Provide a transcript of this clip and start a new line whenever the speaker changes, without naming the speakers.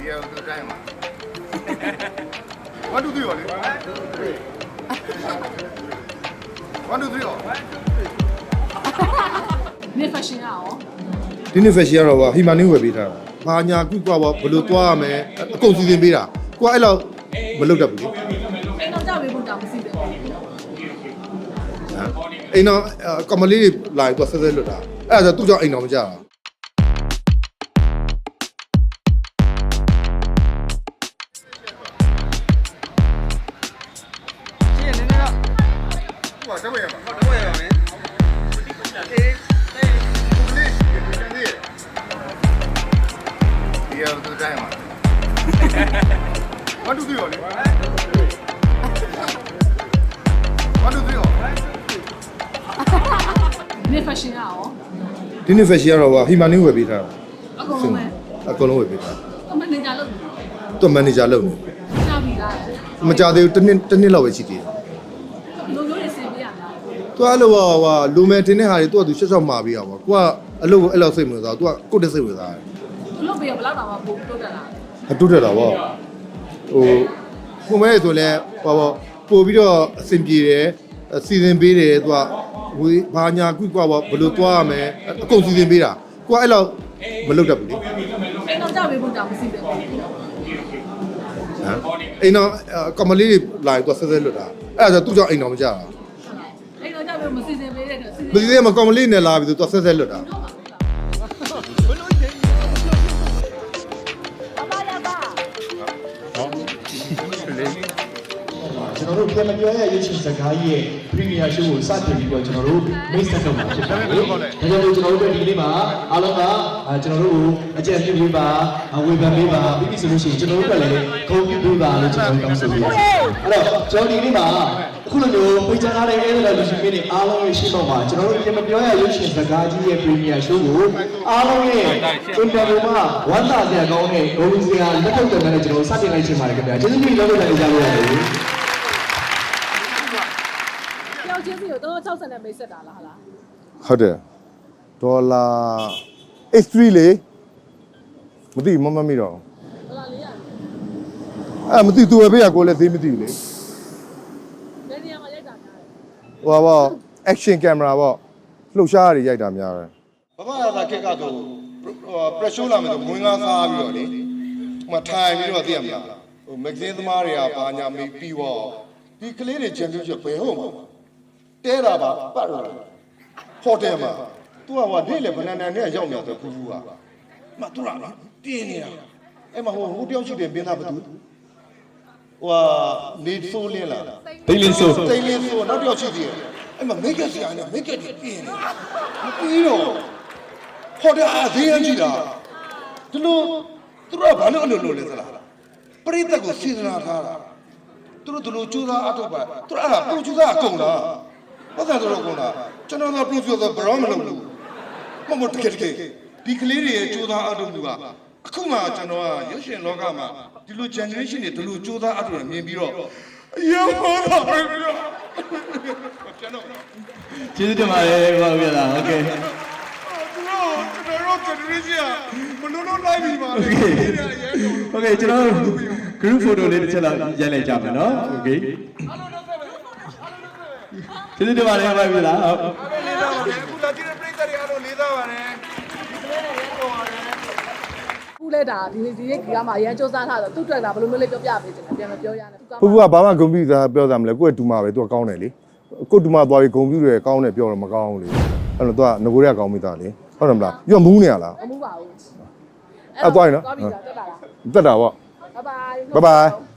Yeah, the time. 1, 2, 3 only. 1, 2, 3 all.
နေဖက်ရှင်ရအောင်
ဒီနေ့ fashion ကတော့ဟီမာနင်းဝယ်ပေးထားတာ။ဘာညာကုကွာဘယ်လိုသွားရမလဲအကုန်စီစဉ်ပေးတာ။ကိုကအဲ့လောက်မလုပ်တတ်ဘူးလေ
အိမ်တော့ကြောက်ပေးဖို့တောင်မရှိဘူး
။ဟမ်အိမ်တော့ကမလေးတွေလာပြီးတော့ဆက်ဆက်လွတ်တာ။အဲ့ဒါဆိုသူ့ကြောင့်အိမ်တော်မကြတာ။
哇，这么样吧？这么样没？Yeah, the time. 1, 2, 3 only. 1, 2, 3 all.
နေဖက်ရှင်ရအောင်
ဒီနေ့ fashion ကတော့ဟီမာနင်းဝယ်ပေးထားတာ
အကုန်လုံးပဲ
အကုန်လုံးဝယ်ပေးထား
ကမနေကြလို့
။သူ့ manager လုပ်နေ
ကြောက်ပြီလား
။မကြသေးဘူးတစ်နှစ်လောက်ပဲရှိသေးတယ်
လူမျိုးတွေစင်ပြရတာ
။ तू အဲ့လိုလူမဲတင်တဲ့ဟာတွေ तू ကသူရှက်ရှောက်မှာပြီးအောင်ပေါ့။ ကိုကအလုပ်ကိုအဲ့လောက်စိတ်မဝင်စားဘူး။ तू ကကိုယ့်တက်စိတ်ဝင်စားတယ်
သူတို့ပြဘလောက်တောင်မှပို့တိုးတက်လာ
။အတူတက်တာပေါ့။ကိုမဲဆိုလဲပို့ပြီးတော့အဆင်ပြေတယ်စီစဉ်ပေးတယ် तू ကဝေးဘာညာကုကွာဘယ်လိုသွားရမလဲအကုန်စီစဉ်ပေးတာ။ကိုကအဲ့လောက်မလုပ်တတ်ဘူးလေ
အိမ်တော့ကြောက်ပေးဖို့တောင်မရှိဘူး
။ဟမ်အိမ်တော့ကမလေးတွေလာပြီးတော့ဆက်ဆက်လွတ်တာ။အဲ့ဒါဆိုသူ့ကြောင့်အိမ်တော်မကြတာ
အိမ်တော့ကြောက်ပေးမစီစဉ်ပေးတဲ့
။မစီစဉ်မကမလေးနဲ့လာပြီးတော့ဆက်ဆက်လွတ်တာ။
ကျွန်တော်တို့ပြန်မပြောရရွေးချယ်စကားရဲ့ Premier Show ကိုစတင်ပြီးတော့ကျွန်တော်တို့ မိတ်ဆက်တော့မှာဖြစ်ပါတယ်။ဒါကြောင့်မို့ကျွန်တော်တို့ဒီနေ့မှာအားလုံးကကျွန်တော်တို့ကိုအကြံပြုပေးပါဝေဖန်ပေးပါပြီးပြီဆိုလို့ရှိရင်ကျွန်တော်တို့ကလည်းဂုဏ်ပြုပေးပါလို့ကျွန်တော်တောင်းဆိုပေးပါတယ်။အဲ့တော့ကျွန်တော်ဒီနေ့မှာအခုလိုမျိုးပိတ်ချထားတဲ့အဲ့ဒါလူရှင်တွေအားလုံးရဲ့ရှေ့တော့မှာကျွန်တော်တို့ပြန်မပြောရရွေးချယ်စကားကြီးရဲ့ Premier Show ကိုအားလုံးရဲ့ interview မှာဝမ်းသာစရာကောင်းတဲ့ဂုဏ်စရာလက်ထုတ်တယ်နဲ့ကျွန်တော်စတင်လိုက်ချင်ပါတယ်ခင်ဗျာ။ကျေးဇူးတင်လို့လည်းကြားလို့ရတယ်။
ယောက်ချင်းစီကို360နဲ့မိတ်ဆက်တာလားဟာလား
ဟုတ်တယ်ဒေါ်လာ X3 လေမသိမမိတော့
ဒေါ်လာ400
အဲ့မသိသူပဲဖေးရကိုလည်းသိမသိဘူးလေ
ဘယ်နေရာမှာရိုက်တာများလဲ
ဟိုပါ action camera ပေါ့လှုပ်ရှားရည်ရိုက်တာများတယ်
ဘာမှလာခက်ကတော့pressure လာမယ်ဆိုမွေးငါးစားပြီးတော့လေဟိုမှာထိုင်ပြီးတော့သိရမလားဟို magazine သမားတွေကဘာညာမေးပြီးတော့ဒီကလေးတွေ championship ဘယ်ဟုတ်မှာတဲတာပါပတ်တော့ဟိုတယ်မှာ तू ကနေ့လေဘဏ္ဍာနဲ့ရောက်နေတော့ကူကမ तू ကပြင်းနေတာအဲ့မှာဟိုတယောက်ရှိတယ်ပြင်းသားဘသူဟိုနေဆိုးလင်းလာတိတ်လင်းဆိုနောက်တယောက်ရှိသေးတယ်အဲ့မှာမိတ်ကဆရာနဲ့မိတ်ကတွေပြင်းနေမပြီးတော့ဟိုတယ်အားသေးရကြည့်တာဒီလိုသူတို့ကဘာလို့အဲ့လိုလဲသလားပရိသတ်ကိုစေတနာထားတာသူတို့ဒီလိုကြိုးစားအထောက်ပါသူတို့အဲ့ဒါပရိုဂျူဆာအကုန်လားဘာသာတော်ကုန်လားကျွန်တော်ကပရိုဂျူဆာဘရောမလုပ်ဘူးမတကယ်ဒီကလေးတွေရဲ့ကြိုးစားအထောက်မှုကအခုမှကျွန်တော်ကရုပ်ရှင်လောကမှာဒီလို generation တွေဒီလိုကြိုးစားအထောက်မြင်ပြီးတော့ရောဟောတာပဲကျွန်တော်
ကျေးဇူးတင်ပါတယ်ဘာလို့ပြတာโอเค
ကျွန်တော်တို့ generation မလို့လို့လိုက်ပြီပါလေ
โอเคကျွန်တော် group photo လေးတစ်ချက်လောက်ရိုက်လိုက်ကြမယ်เนาะโอเคကျေးဇူးတင်ပါတယ်ဘာလို့ပြတာဟုတ်
လေးသားပါတယ်အခုလာကြည့်တဲ့ပရိသတ်တွေအားလုံးလေးသားပါတယ်
ခုလဲတာဒီကမှာအရန်စူးစမ်းထားတော့သူ့အတွက်တာဘယ်လိုမျိုးလေးပြောပြပေးချင်တယ်ပြန်မပြောရနဲ့သူက
ဖူဖူကဘာမှဂုံပြူသားပြောတာမလဲကိုယ့်ရဲ့ဒူမာပဲသူကကောင်းတယ်လေကိုယ့်ဒူမာသွားပြီးဂုံပြူတယ်ကောင်းတယ်ပြောတော့မကောင်းဘူးလေအဲ့တော့သူကငကိုတွေကကောင်းမိသားလေဟုတ်တယ်မလားပြီးတော့မူးနေရလား
မမှုပါဘူး
အဲ့သွားရင်နော်
သွားပြီလားတက်လာလား
တက်တာပေါ့
ဘိုင်ဘိုင်